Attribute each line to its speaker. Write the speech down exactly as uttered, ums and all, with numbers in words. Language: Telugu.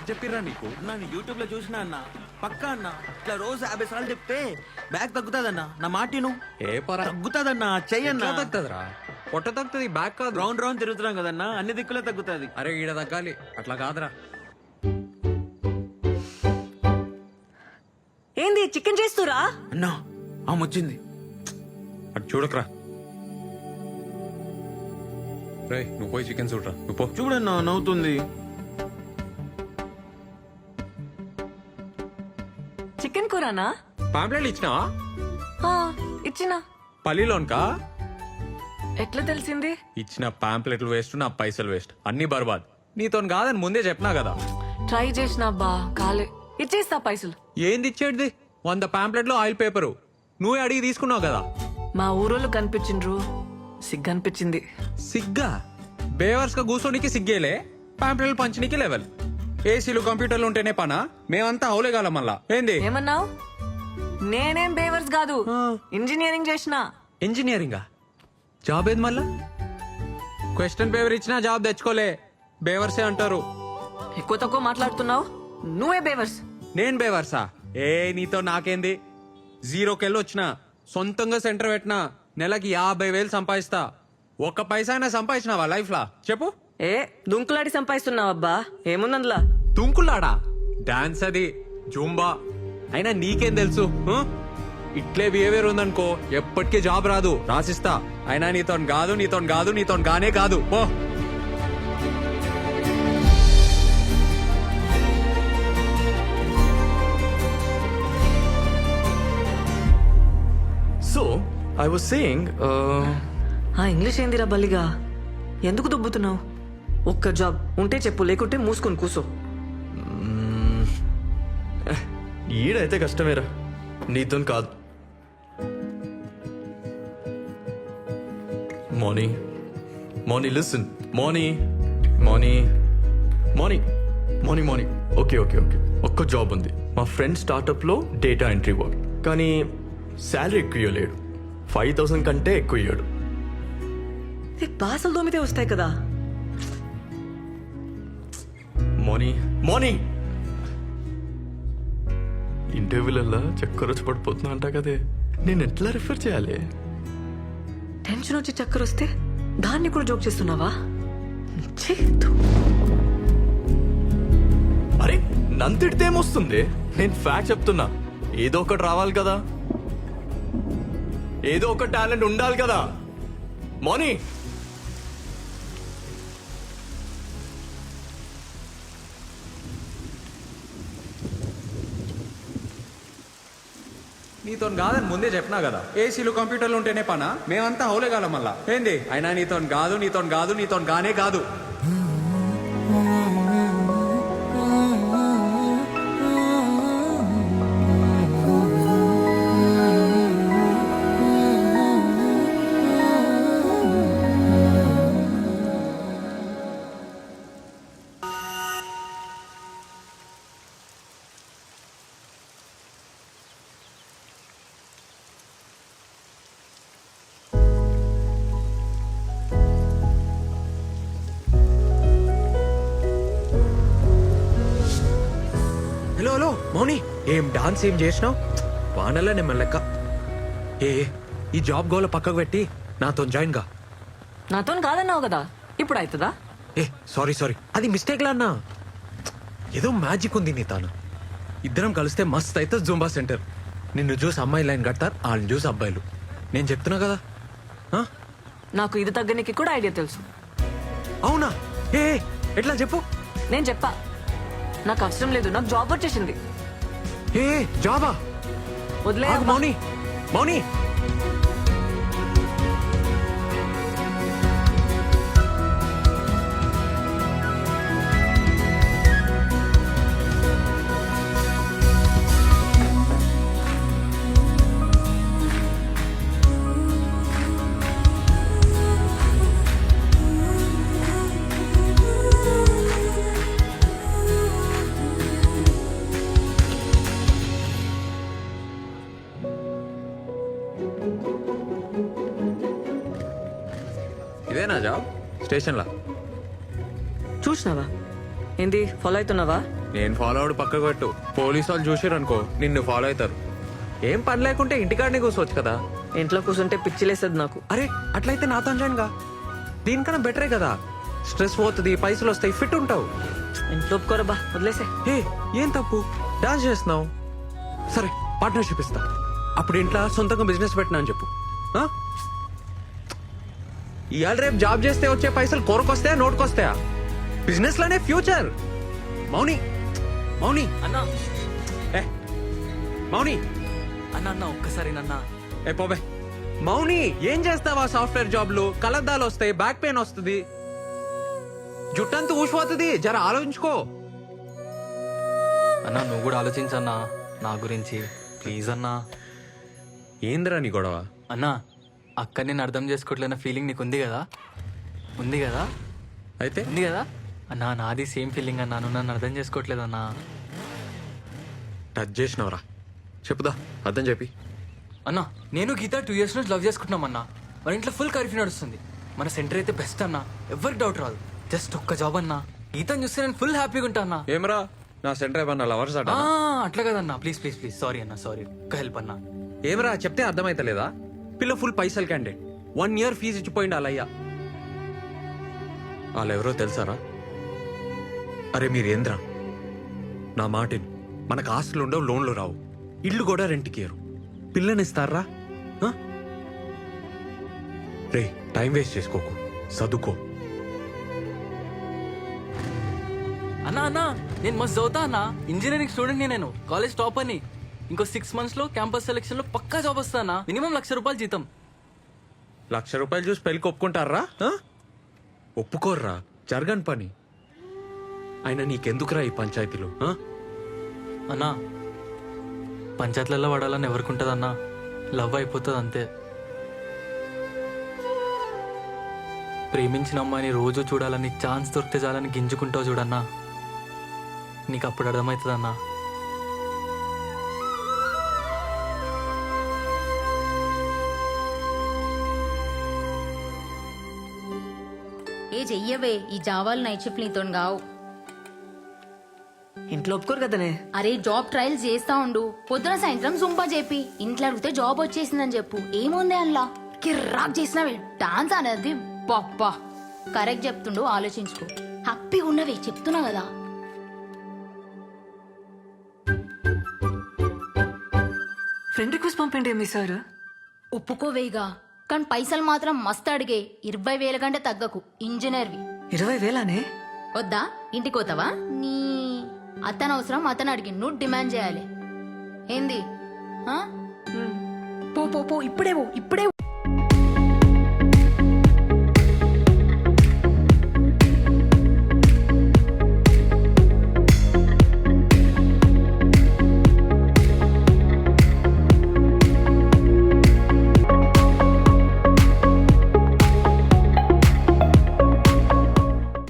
Speaker 1: చెప్పిర్రా నీకు?
Speaker 2: నేను యూట్యూబ్ లో చూసినా అన్న పక్కా అన్న ఇట్లా రోజు యాభై సార్లు చెప్తే బ్యాగ్ తగ్గుతాదన్న నా మాటిను
Speaker 1: ఏ పరా
Speaker 2: తగ్గుతాదన్న చెయ్యన్న
Speaker 1: తగ్గుతుందిరా? పొట్ట తగ్గుతుంది, బ్యాక్ కాదు.
Speaker 2: రౌండ్ రౌండ్ తిరుగుతున్నాం కదన్నా అన్ని దిక్కులే తగ్గుతాది.
Speaker 1: అరే ఈడ తగ్గాలి, అట్లా కాదురా.
Speaker 3: ఏంది చికెన్ చేస్తురా?
Speaker 2: అన్నా ఆమె వచ్చింది.
Speaker 1: అటు చూడకరా. రే నువ్వు పోయి చికెన్ చూడరా. నువ్వు పో.
Speaker 2: చూడన్నా నవ్వుతుంది.
Speaker 3: చికెన్ కూరనా?
Speaker 1: పాంప్లెట్లు ఇచ్చినావా?
Speaker 3: ఆ, ఇచ్చినా.
Speaker 1: పల్లిలోన్కా?
Speaker 3: ఎట్లా తెలిసింది?
Speaker 1: ఇచ్చిన పాంప్లెట్లు వేస్ట్, నా పైసలు వేస్ట్, అన్ని బర్బాద్. నీతో కాదని ముందే చెప్పినా కదా.
Speaker 3: ట్రై చేసిన బా కాలే. ఇచ్చేస్తా పైసలు.
Speaker 1: ఏంది ఇచ్చేటిది? వంద పాంప్లెట్లు ఆయిల్ పేపరు నువ్వే అడిగి తీసుకున్నావు కదా.
Speaker 3: మా ఊరోళ్ళు కనిపించిండ్రు, సిగ్గనిపించింది.
Speaker 1: సిగ్గా? బేవర్స్ గా కూర్చోనికి సిగ్గేలే, పాంప్లెట్లు పంచనీకి లెవెల్. ఏసీలు కంప్యూటర్లు ఉంటేనే పనా? మేమంతా అవులేగాల మళ్ళా. ఏంది
Speaker 3: ఏమన్నావు? నేనేం బేవర్స్ కాదు, ఇంజనీరింగ్ చేసిన.
Speaker 1: ఇంజనీరింగా? జాబ్ ఏది మళ్ళా? క్వశ్చన్ పేపర్ ఇచ్చినా జాబ్ తెచ్చుకోలే, బేవర్సే అంటారు.
Speaker 3: ఎక్కువ తక్కువ మాట్లాడుతున్నావు, నువ్వే బేవర్స్.
Speaker 1: నేను బేవర్సా? ఏ నీతో నాకేంది? జీరోకెళ్ళి వచ్చిన, సొంతంగా సెంటర్ పెట్టినా, నెలకి యాభై వేలు సంపాదిస్తా. ఒక్క పైసా అయినా సంపాదించినావా లైఫ్ లా చెప్పు?
Speaker 3: ఏ దుంకులాడి సంపాదిస్తున్నావు అబ్బా, ఏముందందులా?
Speaker 1: తుంకులాడా? డాన్స్ అది, జూంబా. అయినా నీకేం తెలుసు? ఆ? ఇట్లే బిహేవియర్ ఉందనుకో ఎప్పటికీ జాబ్ రాదు, రాసిస్తా. అయినా నీతో కాదు, నీతో కాదు, నీతో గానే కాదు. పో.
Speaker 4: So, I was saying, uh,
Speaker 3: ఆ ఇంగ్లీష్ ఏందిరా బల్లిగా? ఎందుకు దుబ్బుతున్నావు? ఒక్క జాబ్ ఉంటే చెప్పు, లేకుంటే మూసుకొని కూసో.
Speaker 4: ఈడైతే కష్టమేరా, నీతో కాదు. Moni Moni listen Moni Moni Moni Moni Moni okay okay okay ఒక్క జాబ్ ఉంది. మా ఫ్రెండ్ స్టార్టప్లో డేటా ఎంట్రీ వర్క్, కానీ శాలరీ ఎక్కువ ఇవ్వలేడు. ఫైవ్ థౌసండ్ కంటే ఎక్కువ ఇవ్వడు.
Speaker 3: బాసలు దోమితే వస్తాయి కదా.
Speaker 4: మోనీ మోనీ ఇంటర్వ్యూలల్లా చక్కర వచ్చి పడిపోతున్నా అంటా కదే, నేను ఎట్లా రిఫర్ చేయాలి?
Speaker 3: టెన్షన్ వచ్చి చక్కర వస్తే దాన్ని కూడా జోక్ చేస్తున్నావా? ఛీ, ధూ.
Speaker 4: అరే నంతిడితే ఏమొస్తుంది? నేను ఫ్యాక్ట్ చెప్తున్నా. ఏదో ఒకటి రావాలి కదా, ఏదో ఒక టాలెంట్ ఉండాలి కదా. మోనీ
Speaker 1: నీతో కాదని ముందే చెప్పినా కదా. ఏసీలు కంప్యూటర్లు ఉంటేనే పనా? మేమంతా అవులేగాల మళ్ళా. ఏంది? అయినా నీతో కాదు, నీతో కాదు, నీతో గానే కాదు. హలో హలో మౌని, ఏం డాన్స్ ఏం చేసినావు? వానల్లా నేను లెక్క. ఏ ఈ జాబ్ గోల పక్కకు పెట్టి నాతో జాయిన్ గా.
Speaker 3: నాతో కాదన్నావు కదా, ఇప్పుడు అవుతుందా?
Speaker 1: ఏ సారీ సారీ, అది మిస్టేక్ లా అన్నా. ఏదో మ్యాజిక్ ఉంది నీ తాను. ఇద్దరం కలిస్తే మస్త్ అయితే జూంబా సెంటర్. నిన్ను చూసి అమ్మాయి లైన్ కడతారు, వాళ్ళని చూసి అబ్బాయిలు. నేను చెప్తున్నా కదా. ఆ?
Speaker 3: నాకు ఇది తగ్గనికి కూడా ఐడియా తెలుసు.
Speaker 1: అవునా? ఏ ఏ, ఎట్లా చెప్పు.
Speaker 3: నేను చెప్పా, నాకు అవసరం లేదు, నాకు జాబ్ వచ్చేసింది.
Speaker 1: ఏ ఏ, జాబా?
Speaker 3: వదిలే
Speaker 1: ఆగు
Speaker 3: అమ్మా.
Speaker 1: మౌని మౌని ఇదేనా జాబ్? స్టేషన్లా
Speaker 3: చూసినావా? ఏంది ఫాలో అవుతున్నావా?
Speaker 1: నేను ఫాలో అవడు పక్కకు పెట్టు. పోలీసు వాళ్ళు చూసారు అనుకో నిన్ను ఫాలో అవుతారు. ఏం పని లేకుంటే ఇంటికాడనే కూర్చోవచ్చు కదా.
Speaker 3: ఇంట్లో కూర్చుంటే పిచ్చిలేస్తుంది నాకు.
Speaker 1: అరే అట్లయితే నాతో జాయిన్ గా. దీనికన్నా బెటరే కదా. స్ట్రెస్ పోతుంది, పైసలు వస్తాయి, ఫిట్ ఉంటావు.
Speaker 3: ఇంట్లో ఒప్పుకోరా బా, వదిలేసే.
Speaker 1: ఏ ఏం తప్పు, డాన్స్ చేస్తున్నావు. సరే పార్ట్నర్షిప్ ఇస్తా. అప్పుడు ఇంట్లో సొంతంగా బిజినెస్ పెట్టినా అని చెప్పు. ఆ? ఇవాళ రేపు జాబ్ చేస్తే వచ్చే పైసలు కొరకొస్తాయా నోటుకొస్తాయా? బిజినెస్ లోనే ఫ్యూచర్. మౌని మౌని
Speaker 5: అన్నా
Speaker 1: ఏ మౌని
Speaker 5: అన్న అన్న ఒక్కసారి నన్న
Speaker 1: ఏ పోబే. మౌని ఏం చేస్తావా సాఫ్ట్వేర్ జాబ్లు? కలద్దాలు వస్తాయి, బ్యాక్ పెయిన్ వస్తుంది, జుట్టంతా ఊసిపోతుంది. జర ఆలోచించుకో.
Speaker 5: అన్న నువ్వు కూడా ఆలోచించన్నా నా గురించి ప్లీజ్ అన్నా.
Speaker 1: ఏందిరా నీ గొడవ?
Speaker 5: అన్నా అక్క నేను అర్థం చేసుకోవట్లేన ఫీలింగ్ నీకు ఉంది కదా? ఉంది కదా?
Speaker 1: అయితే
Speaker 5: ఉంది కదా అన్నా? నాది సేమ్ ఫీలింగ్ అన్నా. నువ్వు నన్ను అర్థం చేసుకోవట్లేదన్నా.
Speaker 1: టచ్ చేసినవరా? చెప్పుదా అర్థం చెప్పి.
Speaker 5: అన్నా నేను గీత టూ ఇయర్స్ నుంచి లవ్ చేసుకుంటున్నాం అన్నా. మన ఇంట్లో ఫుల్ కర్ఫ్యూ నడుస్తుంది. మన సెంటర్ అయితే బెస్ట్ అన్నా, ఎవరికి డౌట్ రాదు. జస్ట్ ఒక్క జాబ్ అన్నా. గీతను చూస్తే నేను ఫుల్ హ్యాపీగా ఉంటా అన్నా.
Speaker 1: ఏమరా నా సెంటర్ ఏమన్నా లవర్స్ అట?
Speaker 5: ఆ, అట్లా కదన్నా. ప్లీజ్ ప్లీజ్ ప్లీజ్ సారీ అన్నా, సారీ. ఒక్క హెల్ప్ అన్నా.
Speaker 1: ఏమరా చెప్తే అర్థమైతలేదా? పిల్ల ఫుల్ పైసలు క్యాండిడేట్, వన్ ఇయర్ ఫీజు ఇచ్చిపోయింది అలయ్యా. వాళ్ళెవరో తెలుసారా? అరే మీరేంద్రా నా మాటిని. మనకు ఆస్తులు ఉండవు, లోన్లు రావు, ఇల్లు కూడా రెంట్కి ఇయ్యరు. పిల్లనిస్తారా? ఆ? రే టైం వేస్ట్ చేసుకోకు, చదువుకో.
Speaker 5: అన్నా అన్నా నేను మస్తు చదువుతా అన్నా. ఇంజనీరింగ్ స్టూడెంట్ నేను, కాలేజ్ టాప్ అని. ఇంకో సిక్స్ మంత్స్ లో క్యాంపస్ సెలెక్షన్ లో పక్కా జాబ్ వస్తానా. మినిమం లక్ష రూపాయలు జీతం.
Speaker 1: లక్ష రూపాయలు చూసి పెళ్ళికి ఒప్పుకుంటారా? ఆ? ఒప్పుకోర్రా, జరగని పని. అయినా నీకెందుకురా ఈ పంచాయతీలు? ఆ?
Speaker 5: అన్నా పంచాయతీలలో పడాలని ఎవరికి అన్నా? లవ్ అయిపోతుంది అంతే. ప్రేమించిన అమ్మాయిని రోజు చూడాలని, ఛాన్స్ దొరికితే చాలని గింజుకుంటావు చూడన్నా. నీకు అప్పుడు అర్థమవుతుంది అన్నా.
Speaker 6: ఏ చెయ్యవే, ఈ జావాలు నైట్ షిఫ్ట్ నీతో గావు.
Speaker 3: ఇంట్లో ఒప్పుకోరు కదనే.
Speaker 6: అరే జాబ్ ట్రయల్స్ చేస్తా ఉండు, పొద్దున సాయంత్రం సుంపా చెప్పి ఇంట్లో అడిగితే జాబ్ వచ్చేసిందని చెప్పు. ఏముంది అందులో? కిర్రాక్ చేసినవే డాన్స్ అనేది. పప్పా కరెక్ట్ చెప్తుండు, ఆలోచించుకో. హ్యాపీగా ఉన్నవే చెప్తున్నా కదా.
Speaker 3: ఫ్రెండ్ రిక్వెస్ట్ పంపండి మీ సార్.
Speaker 6: ఒప్పుకోవేగా, కానీ పైసలు మాత్రం మస్తు అడిగే. ఇరవై వేల కంటే తగ్గకు. ఇంజనీర్వి.
Speaker 3: ఇరవై వేలానే?
Speaker 6: వద్దా? ఇంటికి పోతావా? నీ అతను అవసరం అతను అడిగి నువ్వు డిమాండ్ చేయాలి. ఏంది? ఆ? పో పో పో, ఇప్పుడే పో, ఇప్పుడే పో.